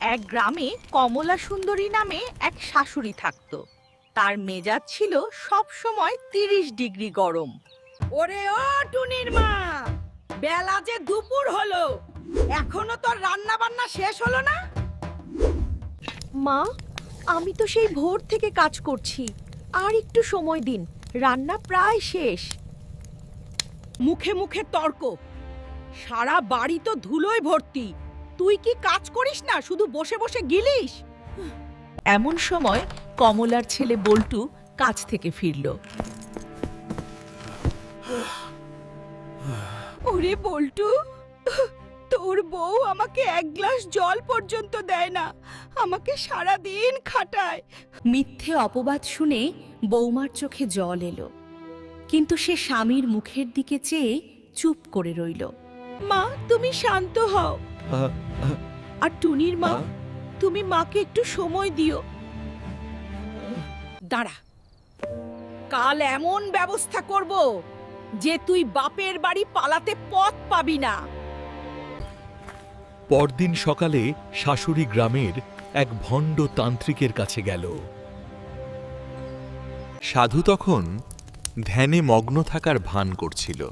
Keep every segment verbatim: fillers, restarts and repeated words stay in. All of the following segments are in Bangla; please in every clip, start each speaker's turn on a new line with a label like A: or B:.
A: এক গ্রামে কমলা সুন্দরী নামে এক শাশুড়ি থাকত। তার মেজাজ ছিল সব সময় তিরিশ ডিগ্রি গরম।
B: ওরে ও টুনির মা, বেলা যে দুপুর হলো, এখনো তোর রান্না বান্না শেষ হলো না?
C: মা, আমি তো সেই ভোর থেকে কাজ করছি, আর একটু সময় দিন, রান্না প্রায় শেষ।
B: মুখে মুখে তর্ক, সারা বাড়ি তো ধুলোয় ভর্তি। তুই কি কাজ করিস না, শুধু বসে বসে গিলিস?
A: এমন সময় কমলার ছেলে বল্টু কাজ থেকে ফিরল।
B: ওরে বল্টু, তোর বউ আমাকে এক গ্লাস জল পর্যন্ত দেয় না, আমাকে সারা দিন খাটায়।
C: মিথ্যে অপবাদ শুনে বৌমার চোখে জল এলো, কিন্তু সে স্বামীর মুখের দিকে চেয়ে চুপ করে রইল।
B: মা, তুমি শান্ত হও। আর টুনির মা, তুমি মাকে একটু সময় দিও। দাঁড়া, কাল এমন ব্যবস্থা করব যে তুই বাপের বাড়ি পালাতে পথ পাবি না।
D: পরদিন সকালে শাশুড়ি গ্রামের এক ভণ্ড তান্ত্রিকের কাছে গেল। সাধু তখন ধ্যানে মগ্ন থাকার ভান করছিল।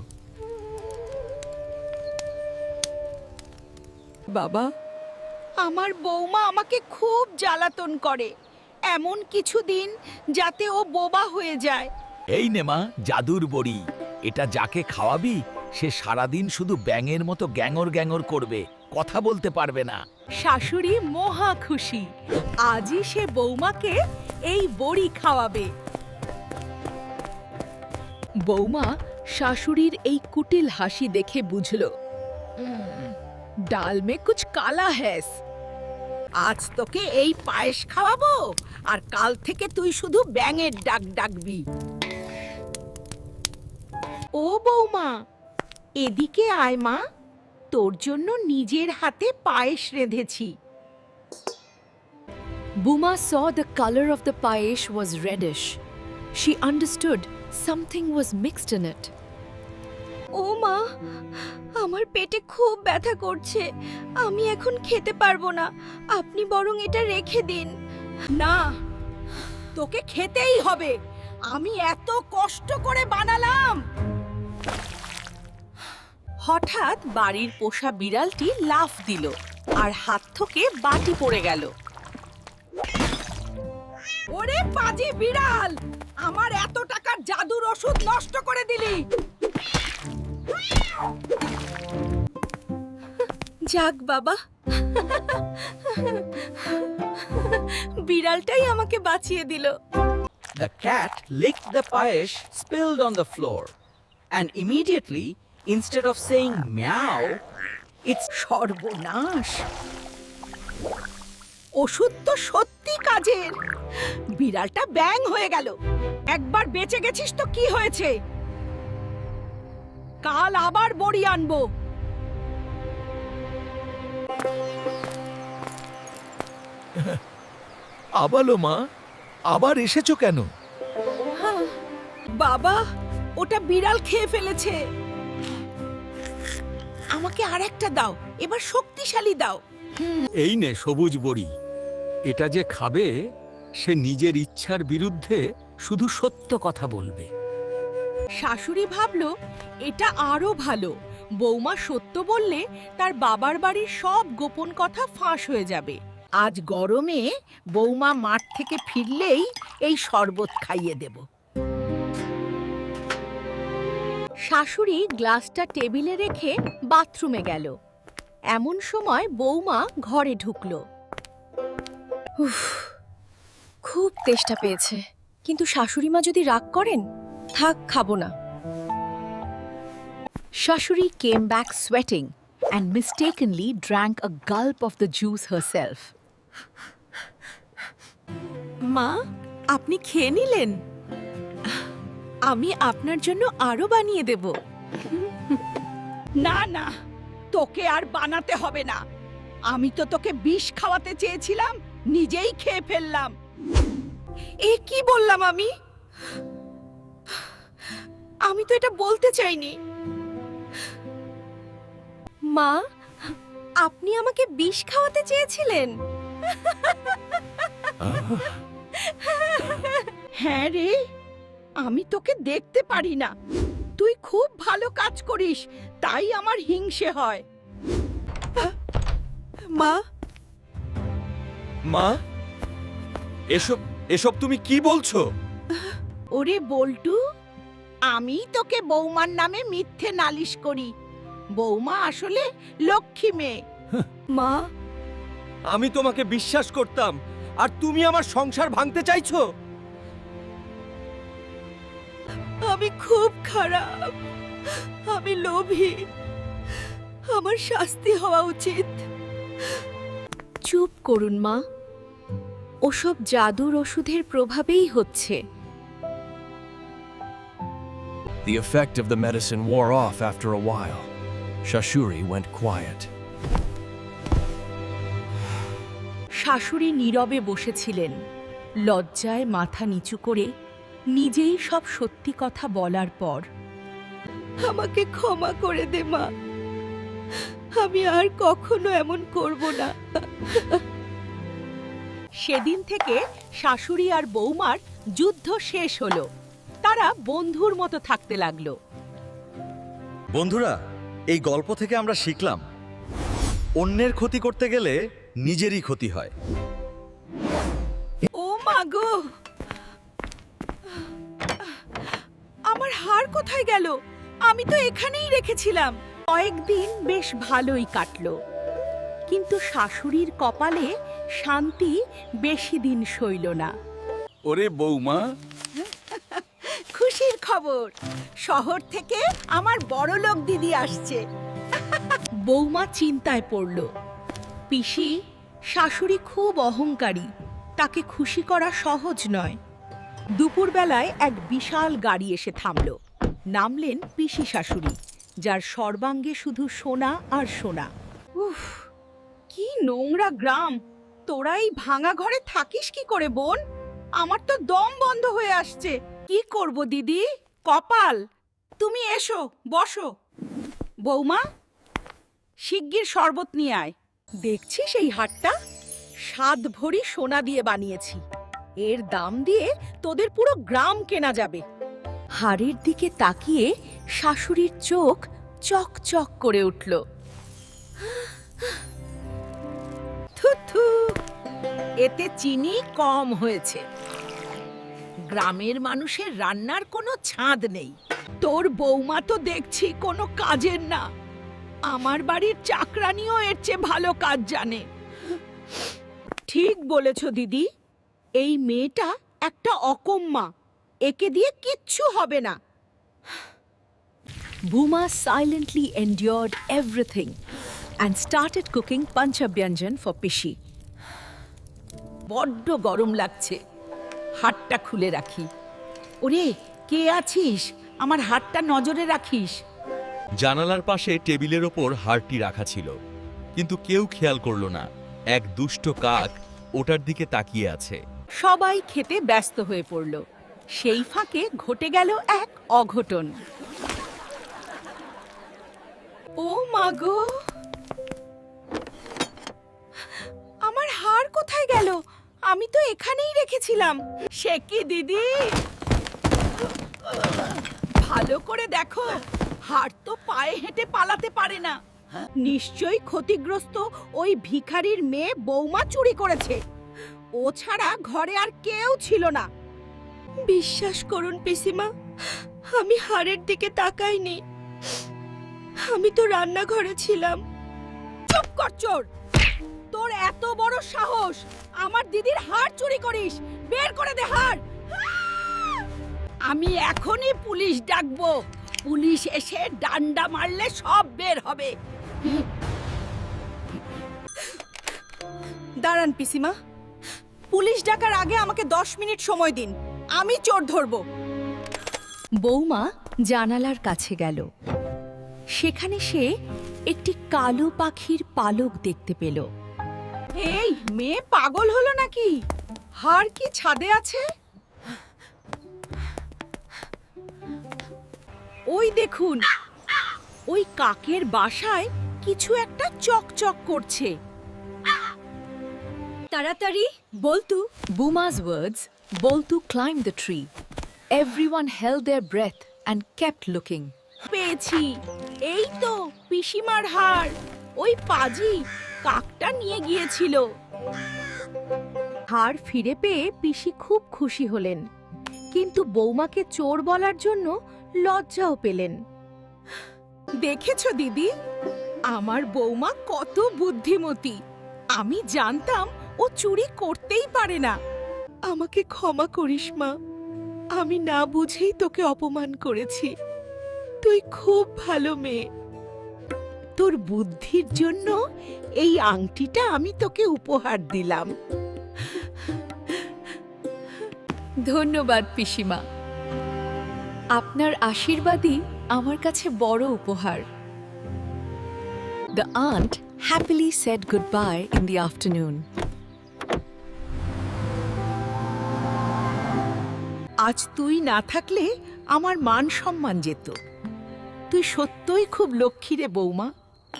B: বাবা, আমার বৌমা আমাকে খুব জ্বালাতন করে, এমন কিছু দিন যাতে ও বোবা হয়ে যায়।
E: এই নে মা, জাদুর বড়ি। এটা যাকে খাওয়াবি সে সারাদিন শুধু ব্যাঙের মতো গ্যাঙর গ্যাঙর করবে, কথা বলতে পারবে না।
B: শাশুড়ি মহা খুশি, আজই সে বৌমাকে এই বড়ি খাওয়াবে।
C: বৌমা শাশুড়ির এই কুটিল হাসি দেখে বুঝল,
B: ডাল মে কুছ কালা হ্যাস। আজ তোকে এই পায়েস খাওয়াবো, আর কাল থেকে তুই শুধু ব্যাঙের ডাক ডাকবি। ও বৌমা, এদিকে আয় মা, তোর জন্য নিজের হাতে পায়েস রেঁধেছি।
C: Buma saw the color of the payesh was reddish. She understood something was mixed in it.
B: ও মা, আমার পেটে খুব ব্যথা করছে, আমি এখন খেতে পারবো না, আপনি বরং এটা রেখে দিন। না, তোকে খেতেই হবে, আমি এত কষ্ট করে বানালাম।
A: হঠাৎ বাড়ির পোষা বিড়ালটি লাফ দিল আর হাত থেকে বাটি পড়ে গেল।
B: ওরে পাজি বিড়াল, আমার এত টাকার জাদুর ওষুধ নষ্ট করে দিলি। যাক বাবা, বিড়ালটাই আমাকে বাঁচিয়ে দিল।
F: The cat licked the payesh spilled on the floor, and immediately, instead of saying meow,
B: It's সর্বনাশ। ওষুধ তো সত্যি কাজের, বিড়ালটা ব্যাং হয়ে গেল। একবার বেঁচে গেছিস তো কি হয়েছে, কাল আবার বড়ি আনবো।
E: আবালো মা, আবার এসেছো কেন?
B: বাবা, ওটা বিড়াল খেয়ে ফেলেছে। আমাকে আরেকটা দাও, এবার শক্তিশালী দাও।
G: এই নে সবুজ বড়ি। এটা যে খাবে সে নিজের ইচ্ছার বিরুদ্ধে শুধু সত্য কথা বলবে।
B: শাশুড়ি ভাবলো এটা আরো ভালো, বৌমা সত্য বললে তার বাবার বাড়ির সব গোপন কথা ফাঁস হয়ে যাবে। আজ গরমে বৌমা মাঠ থেকে ফিরলেই এই শরবত খাইয়ে দেব।
C: শাশুড়ি গ্লাসটা টেবিলে রেখে বাথরুমে গেল। এমন সময় বৌমা ঘরে ঢুকল। উফ, খুব তেষ্টা পেয়েছে, কিন্তু শাশুড়ি মা যদি রাগ করেন, থাক, খাবো না। শাশুড়ি came back sweating and mistakenly drank a gulp of the juice herself.
B: মা, আপনি খেয়ে নিলেন? আমি আপনার জন্য আরো বানিয়ে দেব। না না, তোকে আর বানাতে হবে না, আমি তো তোকে বিষ খাওয়াতে চেয়েছিলাম, নিজেই খেয়ে ফেললাম। এ কি বললাম আমি? আমি তো এটা বলতে চাইনি।
C: মা, আপনি আমাকে বিষ খাওয়াতে চেয়েছিলেন?
A: হ্যাঁ রে, আমি তোকে দেখতে পারি না। তুই খুব ভালো কাজ করিস, তাই আমার হিংসে হয়।
B: মা,
D: মা, এসব এসব তুমি কি বলছো?
A: ওরে বল্টু, আমি তোকে বৌমার নামে মিথ্যে নালিশ করি। বৌমা আসলে লক্ষ্মী মেয়ে।
B: মা,
D: আমি তোমাকে বিশ্বাস করতাম, আর তুমি আমার সংসার ভাঙতে চাইছো?
B: আমি খুব খারাপ, আমি লোভী, আমার শাস্তি হওয়া উচিত।
C: চুপ করুন মা, ওসব জাদুর ওষুধের প্রভাবেই হচ্ছে।
H: The effect of the medicine wore off after a while. Shashuri went quiet.
C: শাশুড়ি নীরবে বসেছিলেন, লজ্জায় মাথা নিচু করে, নিজেই সব সত্যি কথা বলার পর।
B: আমাকে ক্ষমা করে দে মা, আমি আর কখনো এমন করব না।
C: সেদিন থেকে শাশুড়ি আর বৌমার যুদ্ধ শেষ হলো। তারা বন্ধুর মতো থাকতে লাগলো।
I: বন্ধুরা, এই গল্প থেকে আমরা শিখলাম, অন্যের ক্ষতি করতে গেলে নিজেরই ক্ষতি হয়।
B: ও মা গো, আমার হার কোথায় গেল? আমি তো এখানেই রেখেছিলাম।
C: কয়েকদিন বেশ ভালোই কাটলো, কিন্তু শাশুড়ির কপালে শান্তি বেশি দিন সইল না।
G: ওরে বৌমা,
A: খুশির খবর, শহর থেকে আমার বড়লোক দিদি আসছে।
C: বৌমা চিন্তায় পড়ল। পিসি, শাশুড়ি খুব অহংকারী, তাকে খুশি করা সহজ নয়। দুপুরবেলায় এক বিশাল গাড়ি এসে থামল। নামলেন পিসি শাশুড়ি, যার সর্বাঙ্গে শুধু সোনা আর সোনা।
A: উফ, কি নোংরা গ্রাম! তোরা এই ভাঙা ঘরে থাকিস কি করে বোন? আমার তো দম বন্ধ হয়ে আসছে। কি করব দিদি, কপাল। তুমি এসো, বসো। বৌমা, শিগগির শরবত নিয়ে আয়।
C: দেখছিস এই হাটটা? সাত ভরি সোনা দিয়ে বানিয়েছি। এর দাম দিয়ে তোদের পুরো গ্রাম কেনা যাবে। হাড়ের দিকে তাকিয়ে শাশুড়ির চোখ চকচক করে উঠল।
A: থুথু, এতে চিনি কম হয়েছে। গ্রামের মানুষের রান্নার কোনো ছাঁদ নেই। তোর বৌমা তো দেখছি কোনো কাজের না। আমার বাড়ির চাকরানিও এর চেয়ে ভালো কাজ জানে। ঠিক বলেছ দিদি, এই মেয়েটা একটা অকম্মা। একে দিয়ে কিচ্ছু হবে না।
C: Bhuma silently endured everything and started cooking panchabyanjan for Pishi.
A: বড্ড গরম লাগছে, হাতটা খুলে রাখি। ওরে, কে আছিস? আমার হাতটা নজরে রাখিস।
D: জানালার পাশে টেবিলের ওপর হারটি রাখা ছিল, কিন্তু কেউ খেয়াল করলো না। এক দুষ্ট কাক ওটার দিকে তাকিয়ে আছে।
C: সবাই খেতে ব্যস্ত হয়ে পড়ল। সেই ফাঁকে ঘটে গেল এক অঘটন।
B: ও মা গো, আমার হার কোথায় গেল? আমি তো এখানেই রেখেছিলাম।
A: সে কি দিদি, ভালো করে দেখো, হাড় তো পায়ে হেঁটে পালাতে পারে না। নিশ্চয়ই ক্ষতিগ্রস্ত ওই ভিখারির মেয়ে বৌমা চুরি করেছে। ও ছাড়া ঘরে আর কেউ ছিল না।
B: বিশ্বাস করুন পিসিমা, আমি হাড়ের দিকে তাকাইনি। আমি তো রান্নাঘরে ছিলাম।
A: চুপ কর চোর! তোর এত বড় সাহস, আমার দিদির হাড় চুরি করিস! বের করে দে হাড়! আমি এখনই পুলিশ ডাকবো। পুলিশ এসে ডান্ডা মারলে সব বের হবে।
B: দাঁড়ান পিসিমা, পুলিশ ডাকার আগে আমাকে দশ মিনিট সময় দিন, আমি চোর ধরবো।
C: বৌমা জানালার কাছে গেল। সেখানে সে একটি কালো পাখির পালক দেখতে পেল।
A: এই মেয়ে পাগল হলো নাকি? হাড় কি ছাদে আছে? ওই দেখুন, ওই কাকের বাসায় কিছু একটা চকচক করছে।
B: তাড়াতাড়ি বলতু।
C: Buma's words, Boltu climbed the tree. Everyone held their breath and kept looking.
A: পেয়েছি, এই তো পিসিমার হাড়। ওই পাজি কাকটা নিয়ে গিয়েছিল।
C: হাড় ফিরে পেয়ে পিসি খুব খুশি হলেন, কিন্তু বৌমাকে চোর বলার জন্য লজ্জাও পেলেন।
A: দেখেছো দিদি, আমার বৌমা কত বুদ্ধিমতী। আমি জানতাম ও চুরি করতেই পারে না। আমাকে ক্ষমা করিস মা, আমি না বুঝেই তোকে অপমান করেছি। তুই খুব ভালো মেয়ে। তোর বুদ্ধির জন্য এই আংটিটা আমি তোকে উপহার দিলাম।
C: ধন্যবাদ পিসিমা, আপনার আশীর্বাদই আমার কাছে বড় উপহার। The aunt happily said goodbye in the afternoon.
A: আজ তুই না থাকলে আমার মান সম্মান যেত। তুই সত্যই খুব লক্ষ্মী রে বৌমা।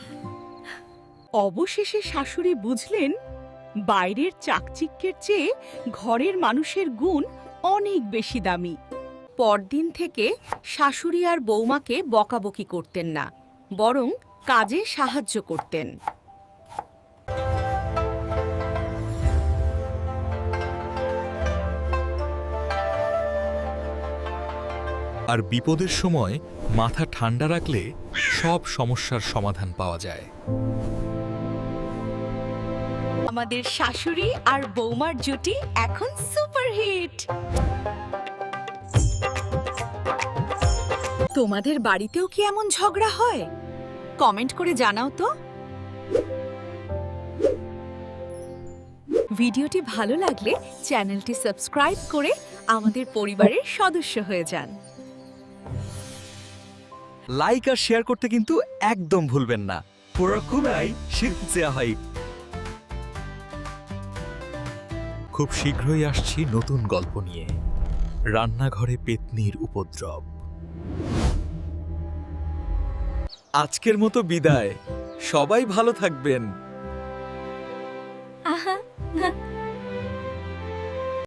A: অবশেষে শাশুড়ি বুঝলেন বাইরের চাকচিক্যের চেয়ে ঘরের মানুষের গুণ অনেক বেশি দামি।
C: পরদিন থেকে শাশুড়ি আর বৌমাকে বকাবকি করতেন না, বরং কাজে সাহায্য করতেন।
D: আর বিপদের সময় মাথা ঠান্ডা রাখলে সব সমস্যার সমাধান পাওয়া যায়।
C: আমাদের শাশুড়ি আর বৌমার জুটি এখন সুপারহিট। তোমাদের বাড়িতেও কি এমন ঝগড়া হয়? কমেন্ট করে জানাও তো। ভিডিওটি ভালো লাগলে চ্যানেলটি সাবস্ক্রাইব করে আমাদের পরিবারের সদস্য হয়ে যান।
I: লাইক আর শেয়ার করতে কিন্তু একদম ভুলবেন না। পুরোকুমাই শিখতে হয়।
D: খুব শীঘ্রই আসছি নতুন গল্প নিয়ে। রান্নাঘরে পেতনির উপদ্রব।
I: আজকের মতো বিদায়। সবাই ভালো থাকবেন।